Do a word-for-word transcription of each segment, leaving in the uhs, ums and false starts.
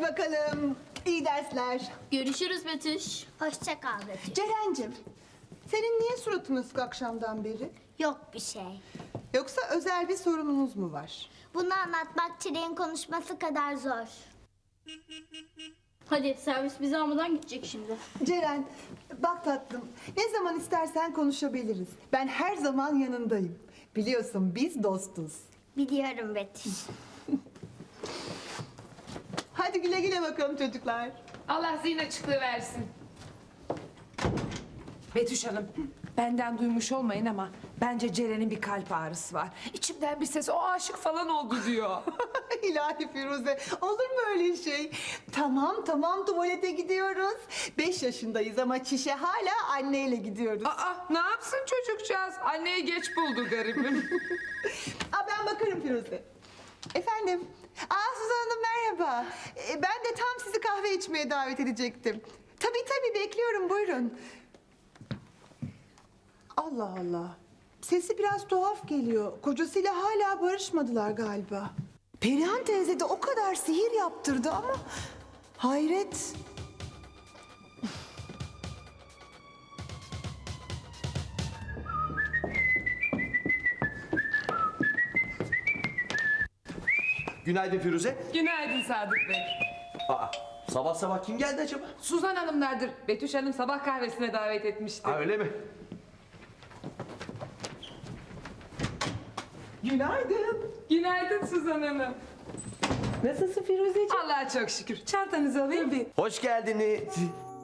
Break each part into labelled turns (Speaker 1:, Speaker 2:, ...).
Speaker 1: bakalım. İyi dersler.
Speaker 2: Görüşürüz Betüş.
Speaker 3: Hoşça kal Betüş.
Speaker 1: Ceren'cim, senin niye suratın ısık akşamdan beri?
Speaker 3: Yok bir şey.
Speaker 1: Yoksa özel bir sorununuz mu var?
Speaker 3: Bunu anlatmak Çileğin konuşması kadar zor.
Speaker 2: Hadi servis bizi almadan gidecek şimdi.
Speaker 1: Ceren, bak tatlım, ne zaman istersen konuşabiliriz. Ben her zaman yanındayım. Biliyorsun biz dostuz.
Speaker 3: Biliyorum Betüş.
Speaker 1: Hadi güle güle bakalım çocuklar.
Speaker 4: Allah zihin açıklığı versin.
Speaker 5: Betüş Hanım, benden duymuş olmayın ama bence Ceren'in bir kalp ağrısı var. İçimden bir ses o aşık falan oldu diyor.
Speaker 1: İlahi Firuze, olur mu öyle şey? Tamam tamam tuvalete gidiyoruz. Beş yaşındayız ama çişe hala anneyle gidiyoruz.
Speaker 5: Aa, ne yapsın çocukcağız? Anneyi geç buldu garibim.
Speaker 1: Aa, ben bakarım Firuze. Efendim? Aa Suzan Hanım merhaba. Ee, ben de tam sizi kahve içmeye davet edecektim. Tabii tabii bekliyorum buyurun. Allah Allah. Sesi biraz tuhaf geliyor. Kocasıyla hala barışmadılar galiba. Perihan teyze de o kadar sihir yaptırdı ama... Hayret.
Speaker 6: Günaydın Firuze.
Speaker 5: Günaydın Sadık Bey.
Speaker 6: Aa, sabah sabah kim geldi acaba?
Speaker 5: Suzan Hanımlardır. Betüş Hanım sabah kahvesine davet etmişti.
Speaker 6: Ha, öyle mi?
Speaker 1: Günaydın.
Speaker 5: Günaydın Suzan Hanım.
Speaker 1: Nasılsın Firuzeciğim?
Speaker 5: Allah'a çok şükür. Çantanızı alayım bir.
Speaker 6: Hoş geldiniz.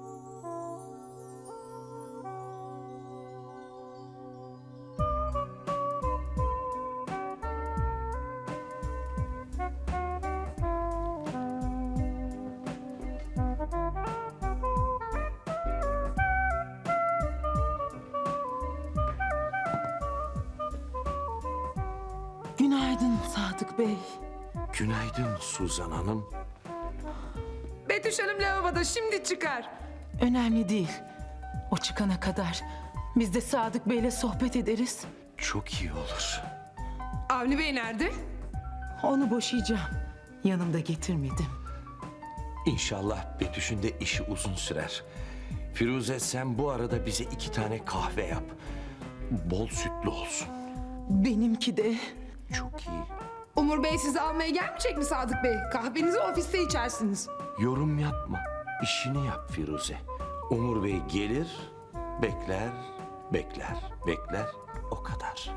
Speaker 7: Günaydın Sadık Bey.
Speaker 6: Günaydın Suzan Hanım.
Speaker 5: Betüş Hanım lavaboda şimdi çıkar.
Speaker 7: Önemli değil. O çıkana kadar biz de Sadık Bey'le sohbet ederiz.
Speaker 6: Çok iyi olur.
Speaker 5: Avni Bey nerede?
Speaker 7: Onu boşayacağım. Yanımda getirmedim.
Speaker 6: İnşallah Betüş'ün de işi uzun sürer. Firuze sen bu arada bize iki tane kahve yap. Bol sütlü olsun.
Speaker 7: Benimki de.
Speaker 6: Çok iyi.
Speaker 5: Umur Bey sizi almaya gelmeyecek mi Sadık Bey? Kahvenizi ofiste içersiniz.
Speaker 6: Yorum yapma. İşini yap Firuze. Umur Bey gelir, bekler, bekler, bekler. O kadar.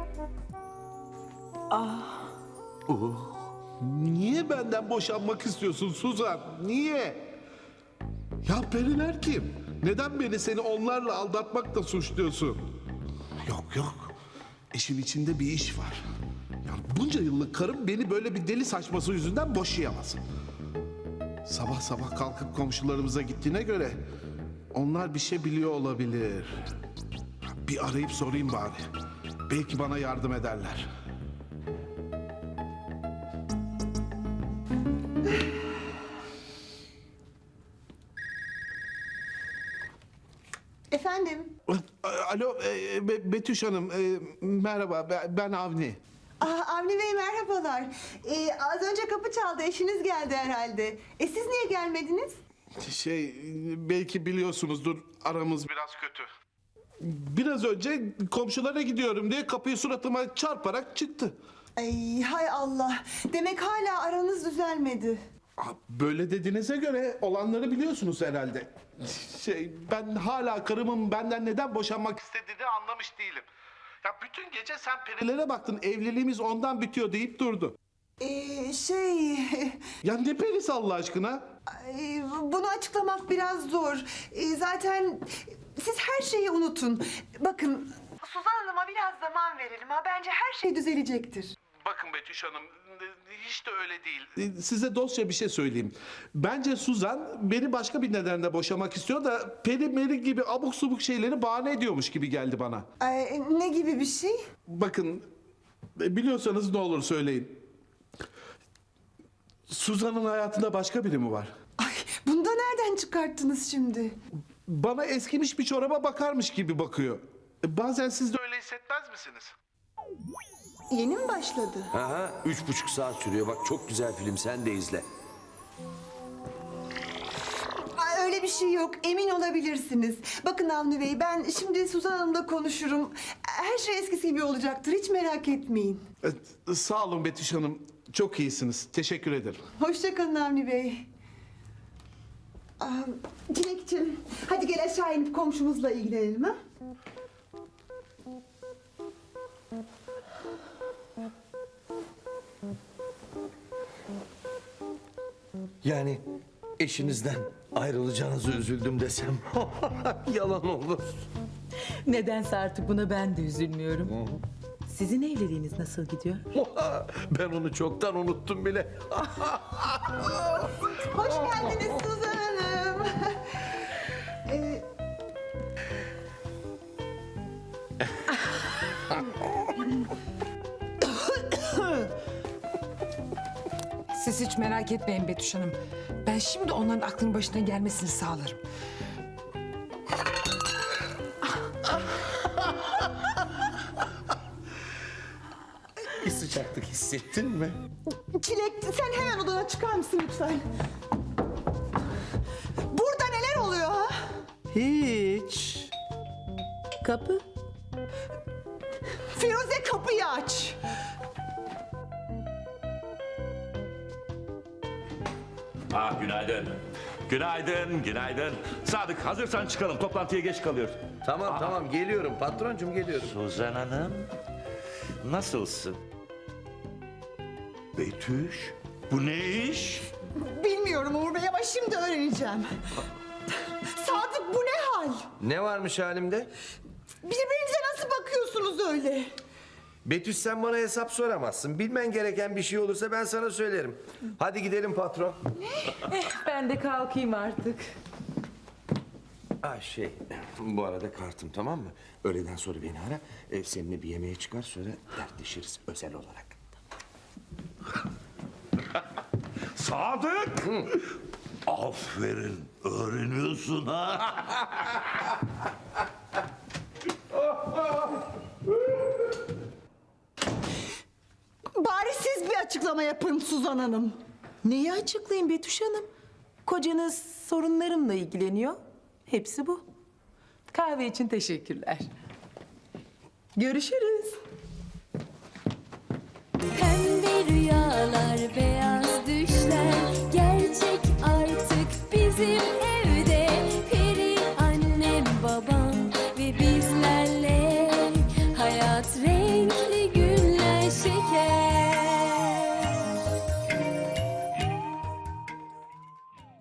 Speaker 7: Ah,
Speaker 6: Uh.
Speaker 8: Niye benden boşanmak istiyorsun Suzan? Niye? Ya periler kim? Neden beni seni onlarla aldatmakla suçluyorsun? Yok yok. İşin içinde bir iş var. Ya bunca yıllık karım beni böyle bir deli saçması yüzünden boşayamaz. Sabah sabah kalkıp komşularımıza gittiğine göre onlar bir şey biliyor olabilir. Bir arayıp sorayım bari. Belki bana yardım ederler.
Speaker 1: Efendim?
Speaker 8: Alo e, Be- Betüş Hanım, e, merhaba Be- ben Avni.
Speaker 1: Aa, Avni Bey merhabalar. Ee, az önce kapı çaldı, eşiniz geldi herhalde. E siz niye gelmediniz?
Speaker 8: Şey, belki biliyorsunuzdur, aramız biraz kötü. Biraz önce komşulara gidiyorum diye kapıyı suratıma çarparak çıktı.
Speaker 1: Ay hay Allah. Demek hala aranız düzelmedi.
Speaker 8: Aa, Böyle dediğinize göre olanları biliyorsunuz herhalde. Şey, ben hala karımın benden neden boşanmak istediğini anlamış değilim. Ya bütün gece sen perilere baktın, evliliğimiz ondan bitiyor deyip durdu.
Speaker 1: Ee, şey...
Speaker 8: Ya ne perisi Allah aşkına?
Speaker 1: ay, bunu açıklamak biraz zor. Ee, zaten siz her şeyi unutun. Bakın... Suzan Hanım'a biraz zaman verelim ha. Bence her şey düzelecektir.
Speaker 8: Bakın Betüş Hanım, hiç de öyle değil. Size dostça bir şey söyleyeyim. Bence Suzan beni başka bir nedenle boşamak istiyor da peri meri gibi abuk subuk şeyleri bahane ediyormuş gibi geldi bana.
Speaker 1: Ay, ne gibi bir şey?
Speaker 8: Bakın, biliyorsanız ne olur söyleyin. Suzan'ın hayatında başka biri mi var?
Speaker 1: Ay, bunu da nereden çıkarttınız şimdi?
Speaker 8: Bana eskimiş bir çoraba bakarmış gibi bakıyor. Bazen siz de öyle hissetmez misiniz?
Speaker 1: Yeni mi başladı?
Speaker 6: Aha, üç buçuk saat sürüyor. Bak çok güzel film. Sen de izle.
Speaker 1: öyle bir şey yok. Emin olabilirsiniz. Bakın Avni Bey, ben şimdi Suzan Hanım'la konuşurum. Her şey eskisi gibi olacaktır. Hiç merak etmeyin.
Speaker 8: Ee, Sağ olun Betüş Hanım. Çok iyisiniz. Teşekkür ederim.
Speaker 1: Hoşça kalın Avni Bey. Aa, Dilekçim, hadi gel aşağı inip komşumuzla ilgilenelim ha.
Speaker 6: Yani eşinizden ayrılacağınızı üzüldüm desem yalan olur.
Speaker 7: Nedense artık buna ben de üzülmüyorum. Sizin evliliğiniz nasıl gidiyor?
Speaker 6: Ben onu çoktan unuttum bile.
Speaker 1: Hoş geldiniz Suzan Hanım. Ee,
Speaker 5: Siz hiç merak etmeyin Betüş Hanım. Ben şimdi onların aklının başına gelmesini sağlarım.
Speaker 6: Bir sıcaklık hissettin mi?
Speaker 1: Çilek, sen hemen odana çıkar mısın lütfen? Burada neler oluyor ha?
Speaker 6: Hiç.
Speaker 7: Kapı.
Speaker 1: Firuze, kapıyı aç.
Speaker 9: Ah günaydın. Günaydın, günaydın. Sadık hazırsan çıkalım. Toplantıya geç kalıyoruz.
Speaker 6: Tamam tamam geliyorum patroncum geliyorum.
Speaker 9: Suzan Hanım, nasılsın? Betüş, bu ne iş?
Speaker 1: Bilmiyorum Uğur Bey ama şimdi öğreneceğim. Sadık, bu ne hal?
Speaker 6: Ne varmış halimde?
Speaker 1: Birbirinize nasıl bakıyorsunuz öyle?
Speaker 6: Betüş sen bana hesap soramazsın. Bilmen gereken bir şey olursa ben sana söylerim. Hadi gidelim patron.
Speaker 7: Ben de kalkayım artık.
Speaker 6: Ah şey, bu arada kartım tamam mı? Öğleden sonra beni ara. E, seninle bir yemeğe çıkar sonra dertleşiriz özel olarak.
Speaker 9: Sadık! Aferin, öğreniyorsun ha.
Speaker 1: Bari siz bir açıklama yapın Suzan Hanım.
Speaker 7: Neyi açıklayayım Betüş Hanım? Kocanız sorunlarımla ilgileniyor. Hepsi bu. Kahve için teşekkürler. Görüşürüz.
Speaker 10: Pembe rüyalar, beyaz